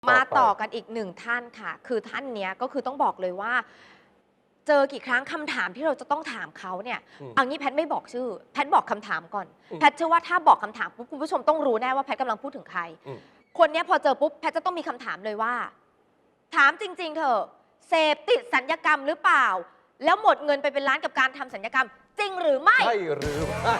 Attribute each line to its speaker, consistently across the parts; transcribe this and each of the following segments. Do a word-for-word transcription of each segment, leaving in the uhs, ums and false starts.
Speaker 1: มาต่อกันอีกหนึ่งท่านค่ะคือท่านเนี้ยก็คือต้องบอกเลยว่า เจอกี่ครั้งคำถามที่เราจะต้องถามเขาเนี่ยเอางี้แพทย์ไม่บอกชื่อแพทย์บอกคำถามก่อนแพทย์เชื่อว่าถ้าบอกคำถามปุ๊บคุณผู้ชมต้องรู้แน่ว่าแพทย์กำลังพูดถึงใครคนนี้พอเจอปุ๊บแพทย์จะต้องมีคำถามเลยว่าถามจริงๆเถอะเสพติดสัญญกรรมหรือเปล่าแล้วหมดเงินไปเป็นล้านกับการทำสัญญกรรมจริงหรือไม่
Speaker 2: ใช่หรือไม่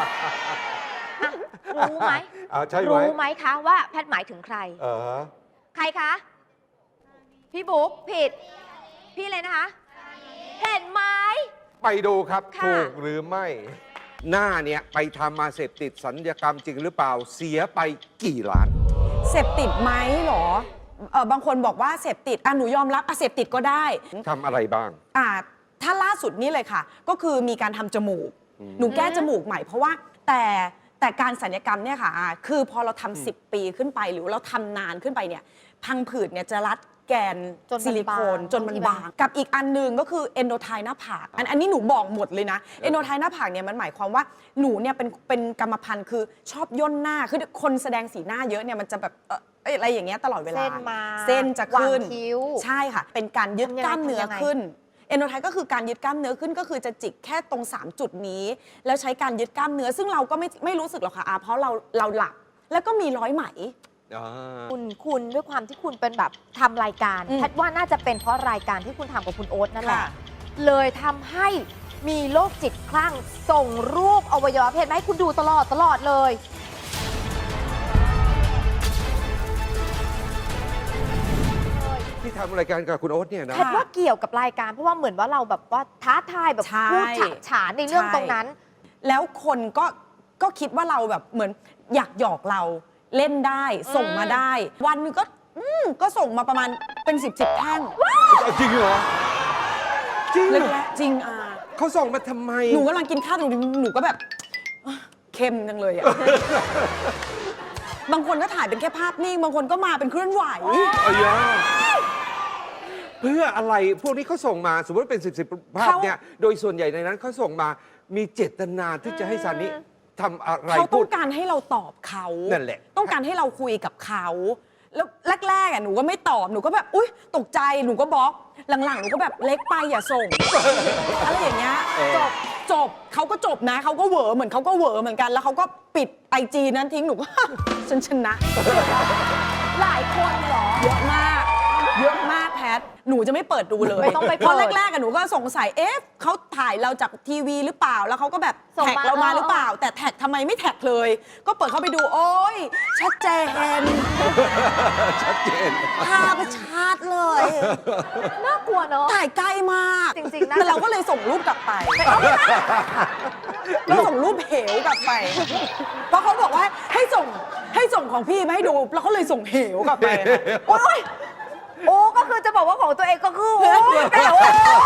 Speaker 1: รู้ไหมรู้ไหมคะว่าแพทย์หมายถึงใคร
Speaker 2: เออ
Speaker 1: ใครคะพี่บุ๊กผิดพี่เลยนะคะเห็นไหม
Speaker 2: ไปดูครับถูกหรือไม่หน้าเนี่ยไปทำมาเสพติดสัญญกรรมจริงหรือเปล่าเสียไปกี่ล้าน
Speaker 3: เสพติดไหมหรอเออบางคนบอกว่าเสพติดอ่ะหนูยอมรับอ่ะเสพติดก็ได้
Speaker 2: ทำอะไรบ้าง
Speaker 3: อ่าถ้าล่าสุดนี่เลยค่ะก็คือมีการทำจมูกหนูแก้จมูกใหม่เพราะว่าแต่แต่การศัลยกรรมเนี่ยค่ะคือพอเราทำสิบปีขึ้นไปหรือเราทำนานขึ้นไปเนี่ยพังผืดเนี่ยจะรัดแกนซิลิโคนจนมันบางกับอีกอันนึงก็คือเอนโดไทหน้าผากอันอันนี้หนูบอกหมดเลยนะเอนโดไทหน้าผากเนี่ยมันหมายความว่าหนูเนี่ยเป็นเป็นกรรมพันธุ์คือชอบย่นหน้าคือคนแสดงสีหน้าเยอะเนี่ยมันจะแบบเอออะไรอย่างเงี้ยตลอดเวลา
Speaker 1: เส้นมา
Speaker 3: เส้นจะขึ้น
Speaker 1: คิ้ว
Speaker 3: ใช่ค่ะเป็นการยึดกล้ามเนื้อขึ้นเอนโดไทก็คือการยึดกล้ามเนื้อขึ้นก็คือจะจิกแค่ตรงสามจุดนี้แล้วใช้การยึดกล้ามเนื้อซึ่งเราก็ไม่ไม่รู้สึกหรอกค่ะเพราะเราเราหลับแล้วก็มีร้อยไหม
Speaker 1: คุณคุณด้วยความที่คุณเป็นแบบทำรายการแพทย์ว่าน่าจะเป็นเพราะรายการที่คุณทำกับคุณโอ๊ตนั่นแหละเลยทำให้มีโรคจิตคลั่งส่งรูปอวัยวะเพศมาให้คุณดูตลอดตลอดเลย
Speaker 2: ที่ทำรายการกับคุณโอ๊ตเนี่ยนะ
Speaker 1: แพทย์ว่าเกี่ยวกับรายการเพราะว่าเหมือนว่าเราแบบว่าท้าทายแบบพูดฉะฉานในเรื่องตรงนั้น
Speaker 3: แล้วคนก็ก็คิดว่าเราแบบเหมือนอยากหยอกเราเล่นได้ส่งมาได้วันนึงก็ก็ส่งมาประมาณเป็นสิบสิบแท่ง
Speaker 2: จริงเหรอจริง
Speaker 3: จริงอ่ะ
Speaker 2: เขาส่งมาทำไม
Speaker 3: หนูกำลังกินข้าวหนูหนูก็แบบเค็มจังเลยอ่ะบางคนก็ถ่ายเป็นแค่ภาพนิ่งบางคนก็มาเป็นเคลื่อนไหว
Speaker 2: เพื่ออะไรพวกนี้เขาส่งมาสมมติเป็นสิบสิบภาพเนี่ยโดยส่วนใหญ่ในนั้นเขาส่งมามีเจตนาที่จะให้ซานิทำอะไร
Speaker 3: เขาต้องการให้เราตอบเขา
Speaker 2: นั่นแหละ
Speaker 3: ต้องการให้เราคุยกับเขาแล้วแรกๆอ่ะหนูก็ไม่ตอบหนูก็แบบอุ๊ยตกใจหนูก็บล็อกหลังๆหนูก็แบบเล็กไปอย่าส่งอะไรอย่างเงี้ยจบจบเขาก็จบนะเขาก็เหวอเหมือนเขาก็เหวอเหมือนกันแล้วเขาก็ปิดไอจีนั้นทิ้งหนูก็ฉันชนะ
Speaker 1: หลายคนเหรอ
Speaker 3: เยอะมากเยอะมากแพทหนูจะไม่เปิดดูเลยเพราะแรกๆอะหนูก็สงสัยเอ๊ะเขาถ่ายเราจากทีวีหรือเปล่าแล้วเขาก็แบบแท็กเรามาหรือเปล่าแต่แท็กทำไมไม่แท็กเลยก็เปิดเข้าไปดูโอ๊ยชัดเจน
Speaker 2: ชัดเจน
Speaker 3: ภาพชัดเลย
Speaker 1: น่ากลัวเนาะ
Speaker 3: ถ่ายใกล้มาก
Speaker 1: จริงๆนะ
Speaker 3: แต่เราก็เลยส่งรูปกลับไปเราส่งรูปเหวกลับไปเพราะเขาบอกว่าให้ส่งให้ส่งของพี่มาให้ดูแล้วเขาเลยส่งเหวกลับไป
Speaker 1: โอ๊ยโอ้ก็คือจะบอกว่าของตัวเองก็คือโอ้แต่โอ้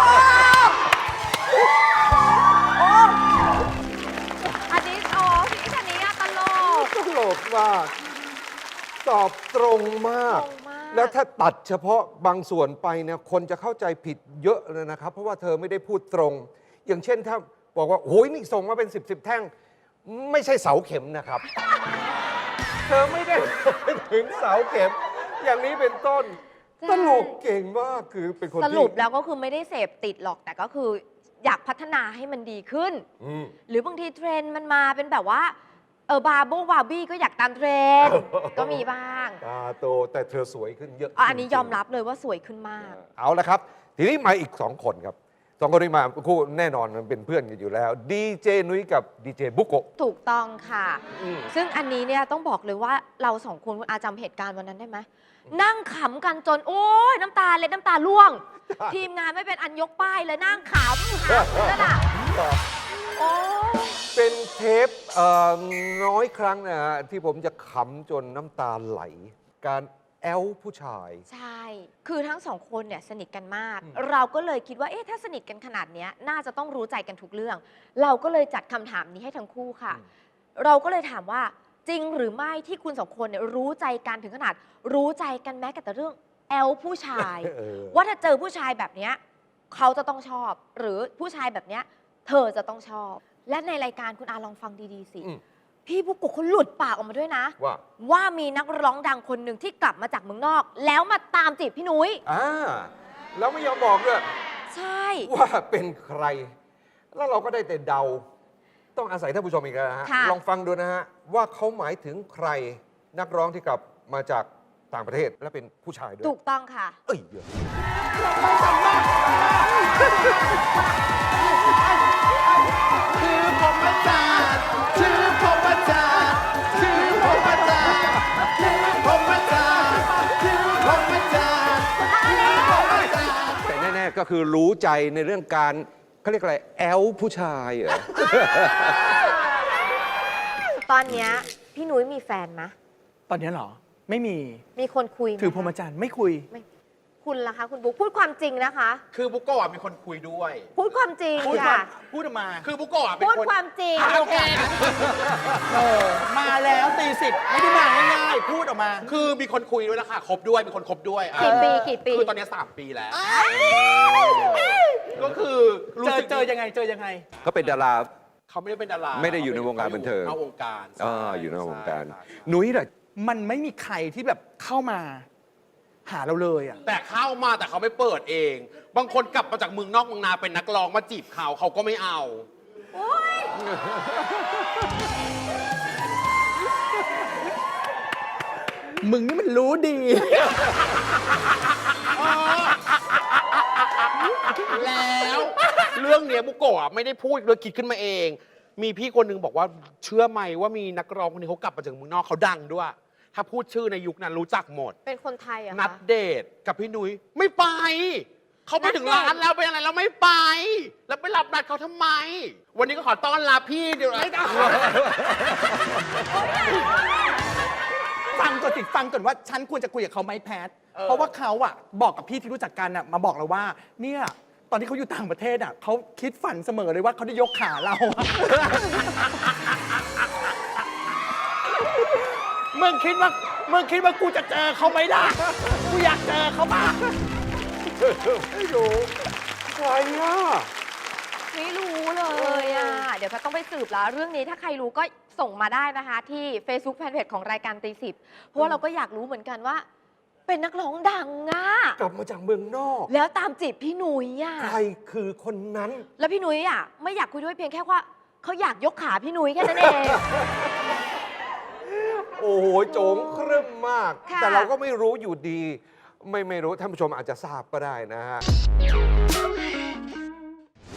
Speaker 1: โอ้อันนี้โอ้พี่ชนิดตลก
Speaker 2: ตลกมากตอบตรงมากแล้วถ้าตัดเฉพาะบางส่วนไปเนี่ยคนจะเข้าใจผิดเยอะเลยนะครับเพราะว่าเธอไม่ได้พูดตรงอย่างเช่นถ้าบอกว่าโอ้ยนี่ส่งมาเป็นสิบสิบแท่งไม่ใช่เสาเข็มนะครับเธอไม่ได้ถึงเสาเข็มอย่างนี้เป็นต้นตลกเก่งมากคือเป็นคน
Speaker 1: สรุปแล้วก็คือไม่ได้เสพติดหรอกแต่ก็คืออยากพัฒนาให้มันดีขึ้นหรือบางทีเทรนด์มันมาเป็นแบบว่าเออบาร์โบบาร์บี้ก็อยากตามเทรนด์ก็มีบ้าง
Speaker 2: ตาโตแต่เธอสวยขึ้นเยอะ
Speaker 1: อันนี้ยอมรับเลยว่าสวยขึ้นมาก
Speaker 2: เอาละครับทีนี้มาอีกสองคนครับสองคนนี้มาคู่แน่นอนมันเป็นเพื่อนกันอยู่แล้วดีเจนุ้ยกับดีเจบุโกะ
Speaker 1: ถูกต้องค่ะซึ่งอันนี้เนี่ยต้องบอกเลยว่าเราสองคนคุณอาจำเหตุการณ์วันนั้นได้ไหมนั่งขำกันจนโอ้ยน้ำตาเล็ดน้ำตาร่วงทีมงานไม่เป็นอันยกป้ายเลยนั่งขำขำนั่นน่ะโอ้
Speaker 2: เป็นเทปน้อยครั้งนะฮะที่ผมจะขำจนน้ำตาไหลการแอลผู้ชาย
Speaker 1: ใช่คือทั้งสองคนเนี่ยสนิทกันมากเราก็เลยคิดว่าเอ๊ะถ้าสนิทกันขนาดนี้น่าจะต้องรู้ใจกันทุกเรื่องเราก็เลยจัดคำถามนี้ให้ทั้งคู่ค่ะเราก็เลยถามว่าจริงหรือไม่ที่คุณสองคนเนี่ยรู้ใจกันถึงขนาดรู้ใจกันแม้แต่เรื่องแอลผู้ชายว่าถ้าเจอผู้ชายแบบนี้เขาจะต้องชอบหรือผู้ชายแบบนี้เธอจะต้องชอบและในรายการคุณอาลองฟังดีๆสิพี่บุกโกะเขาหลุดปากออกมาด้วยนะ
Speaker 2: ว่า
Speaker 1: ว่ามีนักร้องดังคนหนึ่งที่กลับมาจากเมืองนอก แล้วมาตามจีบพี่นุ้ย
Speaker 2: อ่าแล้วไม่ยอมบอกด้วย
Speaker 1: ใช่
Speaker 2: ว่าเป็นใคร แล้วเราก็ได้แต่เดา ต้องอาศัยท่านผู้ชมอีกแล้วนะฮะ
Speaker 1: ค่ะ
Speaker 2: ลองฟังดูนะฮะ ว่าเขาหมายถึงใครนักร้องที่กลับมาจากต่างประเทศและเป็นผู้ชายด้วย
Speaker 1: ถูกต้องค่ะ
Speaker 2: เอ้ยเดี๋ยว
Speaker 4: ชื่อผมอาจารย์ชื่อผมอาจารย์ชื่อผมอาจารย์ชื่อผมอาจารย์ชื่อผมอาจารย์ชื่อผมอาจารย์
Speaker 2: แต่แน่ๆก็คือรู้ใจในเรื่องการเขาเรียกอะไรแอลผู้ชายเหรอ
Speaker 1: ตอนเนี้ยพี่นุ้ยมีแฟนไหม
Speaker 4: ตอนนี้เหรอ ไม่มี
Speaker 1: มีคนคุยไหม
Speaker 4: ถือพรหมจรรย์ไม่คุย
Speaker 1: ไม่คุณล่ะคะคุณบุ๊กพูดความจริงนะคะ
Speaker 5: คือบุโกะมีคนคุยด้วย
Speaker 1: พูดความจริง
Speaker 4: พูด
Speaker 1: ค่ะ
Speaker 4: พูดออกมา
Speaker 5: คือบุโกะเป็น
Speaker 1: พูด
Speaker 5: คน
Speaker 1: ความจริง
Speaker 5: อ่ะโอเค
Speaker 4: เออ มาแล้วตีสิบไม่ได้มาง่ายๆ พูดออกมา
Speaker 5: คือมีคนคุยด้วยนะคะคบด้วยมีคนคบด้วยอ่ะ
Speaker 1: กี่ปีกี่ปี
Speaker 5: คือตอนนี้สามปีแล้ว ก็คือรู้
Speaker 4: เจอ
Speaker 5: สึก
Speaker 4: เจอยังไงเจอยังไง
Speaker 2: เขาเป็นดารา
Speaker 5: เขาไม่ได้เป็นดารา
Speaker 2: ไม่ได้อยู่ในวงการบันเทิง
Speaker 5: นอกวงการ
Speaker 2: อ่าอยู่ในวงการ
Speaker 5: ใช่
Speaker 2: นุ้ยล่ะ
Speaker 4: มันไม่มีใครที่แบบเข้ามา หาเราเลยอ่ะ
Speaker 5: แต่เข้ามาแต่เขาไม่เปิดเอง บางคนกลับมาจากเมืองนอกเมืองนาเป็นนักร้องมาจีบเขาเขาก็ไม่เอา
Speaker 4: มึงนี่มันรู้ดี
Speaker 5: แล้วเรื่องเนี้ยบุโกะไม่ได้พูดเลยคิดขึ้นมาเอง มีพี่คนหนึงบอกว่าเชื่อไหมว่ามีนักร้องคนนี้เขากลับมาจากเมืองนอกเขาดังด้วย ถ้าพูดชื่อในยุคนั้นรู้จักหมด
Speaker 1: เป็นคนไทยเหรอะ
Speaker 5: นั
Speaker 1: คะ
Speaker 5: ดเดทกับพี่นุ้ยไม่ไป เขาไปถึง
Speaker 1: นัดเดท
Speaker 5: ร้านแล้วเป็นอะไรเราไม่ไป แล้วไปรับนัดเขาทำไม วันนี้ก็ขอต้อนรับพี่เดี๋ยวไม่ได้
Speaker 4: ฟังก่อนสิฟังก่อนว่าฉันควรจะคุยกับเขาไหมแพท เพราะว่าเขาอะบอกกับพี่ที่รู้จักกันอะมาบอกเราว่า เนี่ยตอนที่เขาอยู่ต่างประเทศอะเขาคิดฝันเสมอเลยว่าเขาได้ยกขาเราอะ มึงคิดว่ามึงคิดว่ากูจะเจอเขาไหมล่ะ กูอยากเจอเขามาก
Speaker 2: ไม่รู้ใครอ่ะ
Speaker 1: ไม่รู้เลยอ่ะ เดี๋ยวแพทย์ต้องไปสืบแล้ว เรื่องนี้ถ้าใครรู้ก็ส่งมาได้นะคะ ที่ Facebook Fanpage ของรายการตีสิบเพราะว่าเราก็อยากรู้เหมือนกันว่า เป็นนักร้องดังอ่ะ
Speaker 2: กลับมาจากเมืองนอก
Speaker 1: แล้วตามจีบพี่นุ้ยอ่ะ
Speaker 2: ใครคือคนนั้น
Speaker 1: แล้วพี่นุ้ยอ่ะไม่อยากคุยด้วยเพียงแค่ว่าเขาอยากยกขาพี่นุ้ยแค่นั้นเอง
Speaker 2: โอ้โหโจงเครึ่มมาก
Speaker 1: ค่ะ
Speaker 2: แต่เราก็ไม่รู้อยู่ดี ไม่ไม่รู้ท่านผู้ชมอาจจะทราบก็ได้นะฮะ